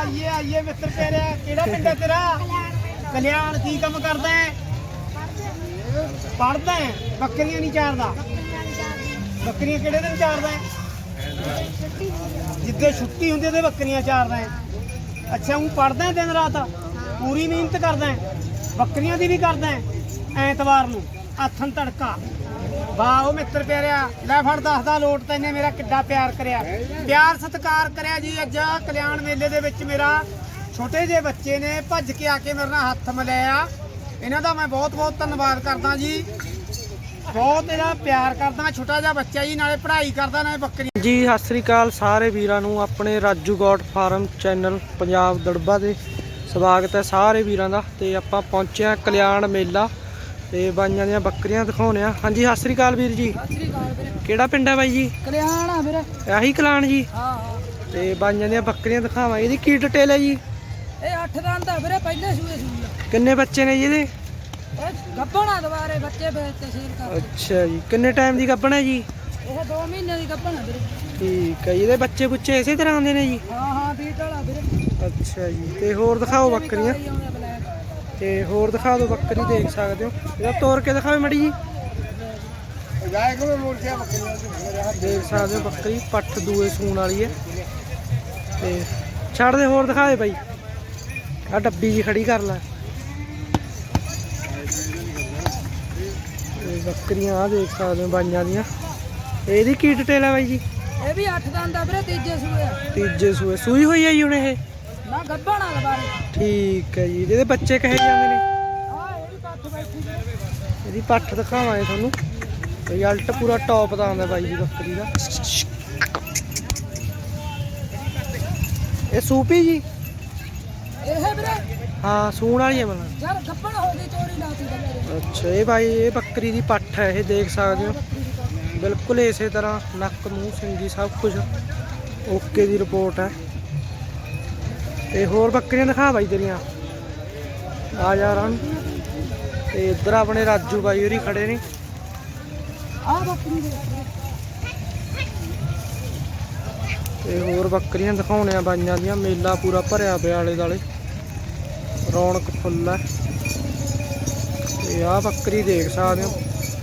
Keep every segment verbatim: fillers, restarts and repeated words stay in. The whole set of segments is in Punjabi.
आइए आइए मित्र तेरे केड़ा पिंड है तेरा कल्याण की कम करदा है पढ़दा है बकरियां नहीं चारदा बकरियां केड़े दिन चारदा है जिद्दे छुट्टी हुंदी ते बकरियां चारदा है अच्छा हूं पढ़दा है दिन रात पूरी मेहनत करदा है बकरियां दी भी करदा है ऐतवार नूं आथन तड़का वाह मित्र प्यारिया लै फड़ दसदा लोट तैने मेरा किड्डा प्यार करिया प्यार सत्कार करिया जी अज कल्याण मेले दे विच मेरा छोटे जे बच्चे ने भज के आके मेरे नाल हत्थ मिलाया इन्हां दा मैं बहुत बहुत धन्नवाद करदा जी बहुत इहदा प्यार करदा छोटा जिहा बच्चा जी नाले पढ़ाई करदा नाले बकरी जी सत श्री अकाल सारे वीरां नूं अपने Raju goat farm channel Punjab दड़बा दे स्वागत है सारे वीरां दा ते आपां पहुंचे आ कल्याण मेला ते बाईयां दियां बकरियां दिखाउने आ। हाँ जी सत श्री अकाल वीर जी केड़ा पिंड है बाई जी कल्याण आ वीरे आही कल्याण जी हां हां ते बाईयां दियां बकरियां दिखावां इहदी की डिटेल है जी ए अठ दंद आ वीरे पहले सूए सूए किन्ने बच्चे ने जी इहदे गब्बना दोबारे बच्चे बेचते सेल कर अच्छा जी किन्ने टाइम दी गब्बन है जी ਇਹ दो ਮਹੀਨੇ ਦੀ ਗੱਭਣ ਆ ਵੀਰੇ ठीक है ਇਹਦੇ ਬੱਚੇ ਬੁੱਚੇ ਇਸੇ ਤਰ੍ਹਾਂ ਆਉਂਦੇ ਨੇ ਜੀ ਹਾਂ ਹਾਂ ਬੀਟ ਵਾਲਾ ਵੀਰੇ ਅੱਛਾ ਜੀ ਤੇ ਹੋਰ ਦਿਖਾਓ ਬੱਕਰੀਆਂ ਤੇ ਹੋਰ ਦਿਖਾ ਦਿਓ ਬੱਕਰੀ ਦੇਖ ਸਕਦੇ ਹੋ ਇਹਦਾ ਤੋੜ ਕੇ ਦਿਖਾਓ ਮੜੀ ਜੀ ਦੇਖ ਸਕਦੇ ਹੋ ਬੱਕਰੀ ਪੱਠ ਦੂਏ ਸੂਣ ਵਾਲੀ ਹੈ ਤੇ ਛੱਡ ਦੇ ਹੋਰ ਦਿਖਾ ਦੇ ਬਾਈ ਆ ਡੱਬੀ ਜੀ ਖੜੀ ਕਰ ਲੈ ਇਹ ਬੱਕਰੀਆਂ ਆ ਦੇਖ ਸਕਦੇ ਹੋ ਬਾਈਆਂ ਦੀਆਂ ਇਹਦੀ ਕੀ ਡਿਟੇਲ ਹੈ ਬਾਈ ਜੀ ਇਹ ਵੀ ਅੱਠ ਦੰਦ ਆ ਵੀਰੇ ਤੀਜੇ ਸੂਏ ਆ ਤੀਜੇ ਸੂਏ ਸੂਈ ਹੋਈ ਹੈ ਜੀ ਹੁਣ ਇਹ ਨਾ ਗੱਭਣ ਆ ਦੁਬਾਰੇ ਠੀਕ ਹੈ ਜੀ ਇਹਦੇ ਬੱਚੇ ਕਹੇ ਜਾਂਦੇ ਨੇ ਆ ਇਹ ਵੀ ਪੱਠ ਬੈਠੀ ਇਹਦੀ ਪੱਠ ਦਿਖਾਵਾਂਗੇ ਤੁਹਾਨੂੰ ਰਿਜ਼ਲਟ ਪੂਰਾ ਟੌਪ ਦਾ ਆਉਂਦਾ ਬਾਈ ਦੀ ਬੱਕਰੀ ਦਾ ਇਹ ਸੂਪੀ ਜੀ ਇਹ ਵੀਰੇ ਹਾਂ ਸੂਣ ਵਾਲੀ ਹੈ ਮਤਲਬ ਯਾਰ ਗੱਭਣ ਹੋ ਗਈ ਚੋਰੀ ਲਾਤੀ ਬੱਕਰੇ ਅੱਛਾ ਇਹ ਬਾਈ ਇਹ ਬੱਕਰੀ ਦੀ ਪੱਠ ਹੈ ਇਹ ਦੇਖ ਸਕਦੇ ਹੋ ਬਿਲਕੁਲ ਇਸੇ ਤਰ੍ਹਾਂ ਨੱਕ ਮੂੰਹ ਸਿੰਗੀ ਸਭ ਕੁਝ ਓਕੇ ਦੀ ਰਿਪੋਰਟ ਹੈ ਤੇ ਹੋਰ ਬੱਕਰੀਆਂ ਦਿਖਾ ਬਾਈ ਤੇਰੀਆਂ ਆ ਜਾ ਰਾਂ ਤੇ ਇੱਧਰ ਆਪਣੇ ਰਾਜੂ ਬਾਈ ਹੋਰੀ ਖੜੇ ਨੇ ਆ ਬੱਕਰੀ ਦੇ ਤੇ ਹੋਰ ਬੱਕਰੀਆਂ ਦਿਖਾਉਣੇ ਆ ਬਾਈਆਂ ਦੀਆਂ ਮੇਲਾ ਪੂਰਾ ਭਰਿਆ ਪਿਆ ਆਲੇ ਦਾਲੇ ਰੌਣਕ ਫੁੱਲ ਹੈ ਤੇ ਆਹ ਬੱਕਰੀ ਦੇਖ ਸਕਦੇ ਹੋ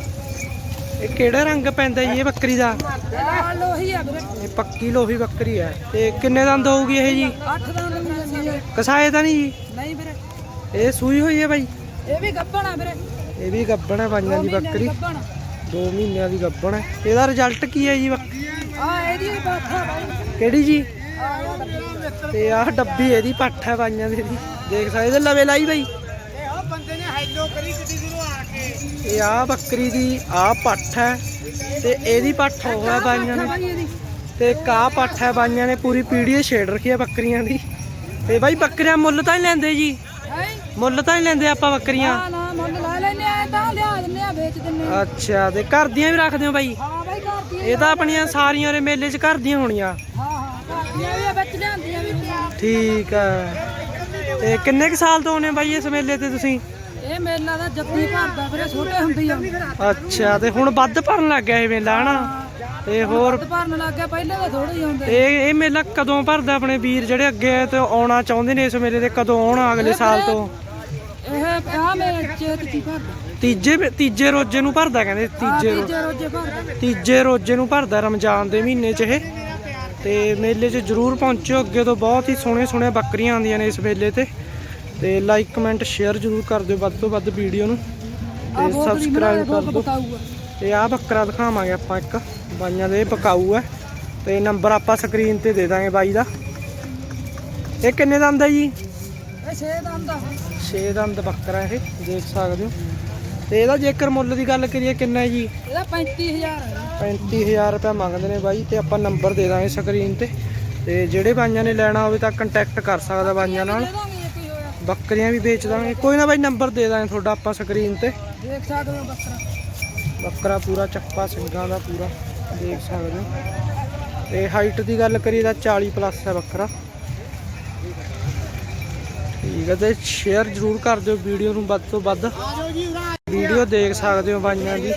ਇਹ ਕਿਹੜਾ ਰੰਗ ਪੈਂਦਾ ਜੀ ਇਹ ਬੱਕਰੀ ਦਾ ਲਾਲ ਲੋਹੀ ਆ ਵੀਰੇ ਇਹ ਪੱਕੀ ਲੋਹੀ ਬੱਕਰੀ ਹੈ ਤੇ ਕਿੰਨੇ ਦੰਦ ਹੋਊਗੀ ਇਹ ਜੀ ਅੱਠ ਦੰਦ ਮਿਲਦੇ ਕਸਾਏ ਤਾਂ ਨਹੀਂ ਜੀ ਨਹੀਂ ਵੀਰੇ ਇਹ ਸੂਈ ਹੋਈ ਹੈ ਬਾਈ ਇਹ ਵੀ ਗੱਭਣ ਆ ਵੀਰੇ ਇਹ ਵੀ ਗੱਬਣ ਹੈ ਬਾਈਆਂ ਦੀ ਬੱਕਰੀ ਗੱਭਣ ਦੋ ਮਹੀਨਿਆਂ ਦੀ ਗੱਬਣ ਹੈ ਇਹਦਾ ਰਿਜ਼ਲਟ ਕੀ ਹੈ ਜੀ ਆ ਇਹਦੀ ਵੀ ਪੱਠ ਆ ਬਾਈ ਕਿਹੜੀ ਜੀ ਆ ਇਹ ਡੱਬੀ ਤੇ ਆਹ ਡੱਬੀ ਇਹਦੀ ਪੱਠ ਹੈ ਬਾਈਆਂ ਦੀ ਦੇਖ ਸਕਦੇ ਇਹਦੇ ਲਵੇ ਲਾਈ ਬਾਈ ਇਹ ਉਹ ਬੰਦੇ ਨੇ ਹੈਲੋ ਕਰੀ ਕਿੱਡੀ ਦੂਰੋਂ ਆ ਕੇ ਇਹ ਆਹ ਬੱਕਰੀ ਦੀ ਆਹ ਪੱਠ ਹੈ ਤੇ ਇਹਦੀ ਪੱਠ ਹੋ ਹੈ ਬਾਈਆਂ ਨੇ ਤੇ ਕਾ ਪੱਠ ਹੈ ਬਾਈਆਂ ਨੇ ਪੂਰੀ ਪੀੜ੍ਹੀ ਛੇੜ ਰੱਖੀ ਹੈ ਬੱਕਰੀਆਂ ਦੀ ਤੇ ਬਾਈ ਬੱਕਰੀਆਂ ਮੁੱਲ ਤਾਂ ਨਹੀਂ ਲੈਂਦੇ ਜੀ ਮੁੱਲ ਤਾਂ ਨਹੀਂ ਲੈਂਦੇ ਆਪਾਂ ਬੱਕਰੀਆਂ ਨਾ ਨਾ ਮੁੱਲ ਲਾ ਲੈਨੇ ਆ ਤਾਂ ਲਿਆ ਦਿੰਨੇ ਆ ਵੇਚ ਦਿੰਨੇ ਆ ਅੱਛਾ ਤੇ ਘਰ ਦੀਆਂ ਵੀ ਰੱਖਦੇ ਹੋ ਬਾਈ ਹਾਂ ਬਾਈ ਘਰ ਦੀਆਂ ਇਹ ਤਾਂ ਆਪਣੀਆਂ ਸਾਰੀਆਂ ਰੇ ਮੇਲੇ 'ਚ ਘਰ ਦੀਆਂ ਹੋਣੀਆਂ ਹਾਂ ਹਾਂ ਘਰ ਦੀਆਂ ਵੀ ਆ ਵਿੱਚ ਲਿਆਂਦੀਆਂ ਵੀ ਠੀਕ ਹੈ ਤੇ ਕਿੰਨੇ ਕੁ ਸਾਲ ਤੋਂ ਆਉਂਦੇ ਬਾਈ ਇਸ ਮੇਲੇ ਤੇ ਤੁਸੀਂ ਇਹ ਮੇਲਾ ਦਾ ਜੱਫੀ ਭਰਦਾ ਵੀਰੇ ਛੋਟੇ ਹੁੰਦੇ ਆ ਅੱਛਾ ਤੇ ਹੁਣ ਵੱਧ ਭਰਨ ਲੱਗ ਗਿਆ ਇਹ ਮੇਲਾ ਹਨਾ ਤੇ ਹੋਰ ਭਰਨ ਲੱਗ ਗਿਆ ਪਹਿਲੇ ਤਾਂ ਥੋੜੇ ਹੀ ਹੁੰਦੇ ਇਹ ਇਹ ਮੇਲਾ ਕਦੋਂ ਭਰਦਾ ਆਪਣੇ ਵੀਰ ਜਿਹੜੇ ਅੱਗੇ ਤੇ ਆਉਣਾ ਚਾਹੁੰਦੇ ਨੇ ਇਸ ਮੇਲੇ ਤੇ ਕਦੋਂ ਆਉਣ ਅਗਲੇ ਸਾਲ ਤੋਂ ਇਹ ਆ ਮੇਰੇ ਚੇਤ ਕੀ ਭਰਦਾ ਤੀਜੇ ਤੀਜੇ ਰੋਜ਼ੇ ਨੂੰ ਭਰਦਾ ਕਹਿੰਦੇ ਤੀਜੇ ਰੋਜ਼ੇ ਤੀਜੇ ਰੋਜੇ ਭਰਦਾ ਤੀਜੇ ਰੋਜ਼ੇ ਨੂੰ ਭਰਦਾ ਰਮਜ਼ਾਨ ਦੇ ਮਹੀਨੇ 'ਚ ਇਹ ਤੇ ਮੇਲੇ 'ਚ ਜ਼ਰੂਰ ਪਹੁੰਚਿਓ ਅੱਗੇ ਤੋਂ ਬਹੁਤ ਹੀ ਸੋਹਣੇ ਸੋਹਣੇ ਬੱਕਰੀਆਂ ਆਉਂਦੀਆਂ ਨੇ ਇਸ ਮੇਲੇ ਤੇ ਤੇ ਲਾਈਕ ਕਮੈਂਟ ਸ਼ੇਅਰ ਜ਼ਰੂਰ ਕਰ ਦਿਓ ਵੱਧ ਤੋਂ ਵੱਧ ਵੀਡੀਓ ਨੂੰ ਤੇ ਸਬਸਕ੍ਰਾਈਬ ਕਰ ਦਿਓ ਤੇ ਆਹ ਬੱਕਰਾ ਦਿਖਾਵਾਂਗੇ ਆਪਾਂ ਇੱਕ ਬਾਈਆਂ ਦੇ ਪਕਾਊ ਹੈ ਤੇ ਨੰਬਰ ਆਪਾਂ ਸਕਰੀਨ ਤੇ ਦੇ ਦਾਂਗੇ ਬਾਈ ਦਾ ਇਹ ਕਿੰਨੇ ਦੰਦ ਹੈ ਜੀ ਇਹ ਛੇ ਦੰਦ ਆ ਛੇ ਦੰਦ ਬੱਕਰਾ ਇਹ ਦੇਖ ਸਕਦੇ ਹੋ ਤੇ ਇਹਦਾ ਜੇਕਰ ਮੁੱਲ ਦੀ ਗੱਲ ਕਰੀਏ ਕਿੰਨਾ ਹੈ ਜੀ ਇਹਦਾ ਪੈਂਤੀ ਹਜ਼ਾਰ ਹੈ ਪੈਂਤੀ ਹਜ਼ਾਰ ਰੁਪਏ ਮੰਗਦੇ ਨੇ ਬਾਈ ਤੇ ਆਪਾਂ ਨੰਬਰ ਦੇ ਦਾਂਗੇ ਸਕਰੀਨ ਤੇ ਤੇ ਜਿਹੜੇ ਬਾਈਆਂ ਨੇ ਲੈਣਾ ਹੋਵੇ ਤਾਂ ਕੰਟੈਕਟ ਕਰ ਸਕਦਾ ਬਾਈਆਂ ਨਾਲ ਬੱਕਰੀਆਂ ਵੀ ਵੇਚ ਦਾਂਗੇ ਕੋਈ ਨਾ ਬਾਈ ਨੰਬਰ ਦੇ ਦਾਂਗੇ ਤੁਹਾਡਾ ਆਪਾਂ ਸਕਰੀਨ ਤੇ ਦੇਖ ਸਕਦੇ ਹੋ ਬੱਕਰਾ ਬੱਕਰਾ ਪੂਰਾ ਚੱਪਾ ਸਿੰਘਾਂ ਦਾ ਪੂਰਾ ਦੇਖ ਸਕਦੇ ਹੋ ਤੇ ਹਾਈਟ ਦੀ ਗੱਲ ਕਰੀਏ ਤਾਂ ਚਾਲੀ ਪਲੱਸ ਹੈ ਬੱਕਰਾ ਠੀਕ ਹੈ ਤੇ ਸ਼ੇਅਰ ਜ਼ਰੂਰ ਕਰ ਦਿਓ ਵੀਡੀਓ ਨੂੰ ਵੱਧ ਤੋਂ ਵੱਧ ਵੀਡੀਓ ਦੇਖ ਸਕਦੇ ਹੋ ਬਾਈਆਂ ਦੀ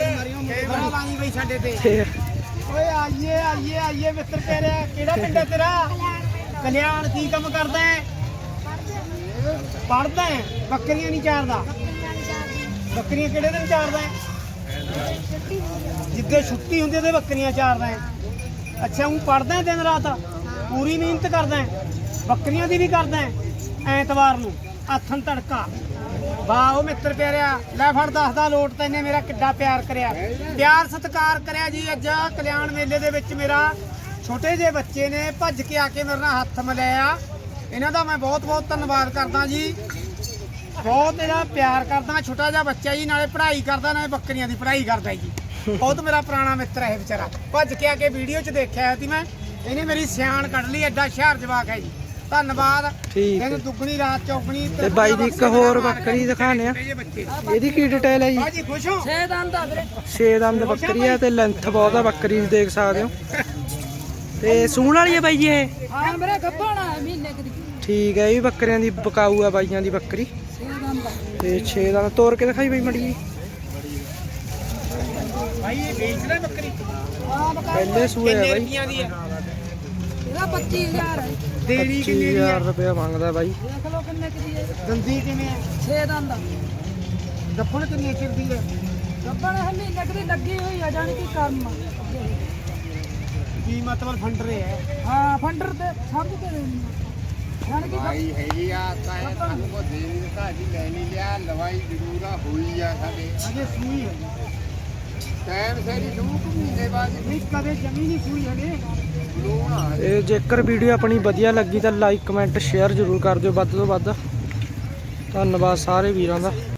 ਓਏ ਆਈਏ ਆਈਏ ਆਈਏ ਮਿੱਤਰ ਤੇਰੇ ਕਿਹੜਾ ਪਿੰਡ ਹੈ ਤੇਰਾ ਕਲਿਆਣ ਕੀ ਕੰਮ ਕਰਦਾ ਹੈ ਪੜਦਾ ਹੈ ਬੱਕਰੀਆਂ ਨਹੀਂ ਚਾਰਦਾ। ਬੱਕਰੀਆਂ ਕਿਹੜੇ ਦਿਨ ਚਾਰਦਾ ਹੈ? ਜਿੱਦੇ ਛੁੱਟੀ ਹੁੰਦੀ ਤੇ ਬੱਕਰੀਆਂ ਚਾਰਦਾ ਹੈ। ਅੱਛਾ ਉਹ ਪੜਦਾ ਹੈ ਦਿਨ ਰਾਤ, ਪੂਰੀ ਮਿਹਨਤ ਕਰਦਾ ਹੈ, ਬੱਕਰੀਆਂ ਦੀ ਵੀ ਕਰਦਾ ਹੈ। ਐਤਵਾਰ ਨੂੰ ਆਥਣ ਤੜਕਾ। ਵਾਹ ਉਹ ਮਿੱਤਰ ਪਿਆਰਿਆ, ਲੈ ਫੜ ਦੱਸਦਾ ਲੋਟ ਤੈਨੇ ਮੇਰਾ ਕਿੱਡਾ ਪਿਆਰ ਕਰਿਆ, ਪਿਆਰ ਸਤਿਕਾਰ ਕਰਿਆ ਜੀ। ਅੱਜ ਕਲਿਆਣ ਮੇਲੇ ਦੇ ਵਿੱਚ ਮੇਰਾ ਛੋਟੇ ਜਿਹੇ ਬੱਚੇ ਨੇ ਭੱਜ ਕੇ ਆ ਕੇ ਮੇਰੇ ਨਾਲ ਹੱਥ ਮਿਲਾਇਆ। ਇਹਨਾਂ ਦਾ ਮੈਂ ਬਹੁਤ ਬਹੁਤ ਧੰਨਵਾਦ ਕਰਦਾ ਜੀ। ਬਹੁਤ ਇਹਦਾ ਪਿਆਰ ਕਰਦਾ। ਛੋਟਾ ਜਿਹਾ ਬੱਚਾ ਜੀ, ਨਾਲੇ ਪੜ੍ਹਾਈ ਕਰਦਾ ਨਾਲੇ ਬੱਕਰੀਆਂ ਦੀ ਪੜ੍ਹਾਈ ਕਰਦਾ ਜੀ। ਬਹੁਤ ਮੇਰਾ ਪੁਰਾਣਾ ਮਿੱਤਰ ਹੈ ਵਿਚਾਰਾ। ਭੱਜ ਕੇ ਆ ਕੇ ਵੀਡੀਓ 'ਚ ਦੇਖਿਆ ਸੀ ਮੈਂ, ਇਹਨੇ ਮੇਰੀ ਸਿਆਣ ਕੱਢ ਲਈ। ਐਡਾ ਹੁਸ਼ਿਆਰ ਜਵਾਕ ਹੈ ਜੀ। ਧੰਨਵਾਦ। ਠੀਕ ਹੈ। ਇਹਨੂੰ ਦੁੱਗਣੀ ਰਾਤ ਚੌਗਣੀ। ਤੇ ਬਾਈ ਦੀ ਇੱਕ ਹੋਰ ਬੱਕਰੀ ਦਿਖਾਣੇ ਆ, ਇਹਦੀ ਕੀ ਡਿਟੇਲ ਹੈ ਜੀ? ਬਾਜੀ ਖੁਸ਼ ਹੋ? ਛੇ ਦੰਦ ਆ ਵੀਰੇ। ਛੇ ਦੰਦ ਬੱਕਰੀ ਆ ਤੇ ਲੈਂਥ ਬਹੁਤ ਆ ਬੱਕਰੀ ਦੀ, ਦੇਖ ਸਕਦੇ ਹੋ। ਤੇ ਸੂਣ ਵਾਲੀ ਹੈ ਬਾਈ ਜੀ ਇਹ? ਹਾਂ ਵੀਰੇ ਗੱਭਣਾ ਹੈ ਮਹੀਨੇ ਕੁ ਦੀ। ਠੀਕ ਹੈ, ਇਹ ਵੀ ਬੱਕਰੀਆਂ ਦੀ ਬਕਾਊ ਆ ਬਾਈਆਂ ਦੀ ਬੱਕਰੀ। ਛੇ ਦੰਦ ਆ। ਤੇ ਛੇ ਦੰਦ ਤੋੜ ਕੇ ਦਿਖਾਈ ਬਾਈ ਮੜੀ ਜੀ। ਭਾਈ ਇਹ ਵੇਚਦਾ ਬੱਕਰੀ? ਹਾਂ ਬਕਾ ਪਹਿਲੇ ਸੂਏ ਆ ਕਿੰਨੇ ਬਾਈ। ਰੁਪਈਆਂ ਦੀ ਹੈ? ਇਹਦਾ ਪੱਚੀ ਹਜ਼ਾਰ ਹੈ। ਦੇਣੀ ਪੱਚੀ ਕਿੰਨੇ ਦੀ ਹਜ਼ਾਰ ਹੈ? ਰੁਪਇਆ ਮੰਗਦਾ ਬਾਈ। ਦੇਖ ਲਓ ਕਿੰਨੇ ਕੁ ਦੀ ਹੈ। ਦੰਦੀ ਕਿਵੇਂ ਹੈ? ਛੇ ਦੰਦ ਆ। ਗੱਪਣ ਕਿੰਨੀ ਚਿਰ ਦੀ ਹੈ? ਗੱਭਣ ਹੈ ਮਹੀਨੇ ਕੁ ਦੀ ਲੱਗੀ ਹੋਈ ਆ, ਜਾਣੀ ਕਿ ਕੰਮ ਆ। ਕੀ ਮਤਲਬ ਫੰਡਰੇ ਹੈ? ਹਾਂ ਫੰਡਰ ਤੇ ਸਭ ਤੇ ਦੇਣੀ ਆ। ਜਾਣੀ ਕਿ ਲਵਾਈ ਹੈਗੀ ਆ ਤਾਂ ਇਹ ਸਾਨੂੰ ਕੋ ਦੇ ਨਹੀਂ ਦਿੱਤਾ, ਅਸੀਂ ਲੈ ਨਹੀਂ ਲਿਆ। ਲਵਾਈ ਜ਼ਰੂਰ ਆ ਹੋਈ ਆ ਸਾਡੇ ਅਜੇ ਸੂਈ ਹੈ? ਟਾਈਮ ਸੇਰੀ ਸ਼ੂ ਮਹੀਨੇ ਬਾਅਦ ਨਹੀਂ ਕਦੇ ਜਮੀ ਨਹੀਂ ਸੂਈ ਹਲੇ। ਲੋਨ ਆ। ਤੇ ਜੇਕਰ ਵੀਡੀਓ ਆਪਣੀ ਵਧੀਆ ਲੱਗੀ ਤਾਂ ਲਾਈਕ ਕਮੈਂਟ ਸ਼ੇਅਰ ਜ਼ਰੂਰ ਕਰ ਦਿਓ ਵੱਧ ਤੋਂ ਵੱਧ। ਧੰਨਵਾਦ ਸਾਰੇ ਵੀਰਾਂ ਦਾ।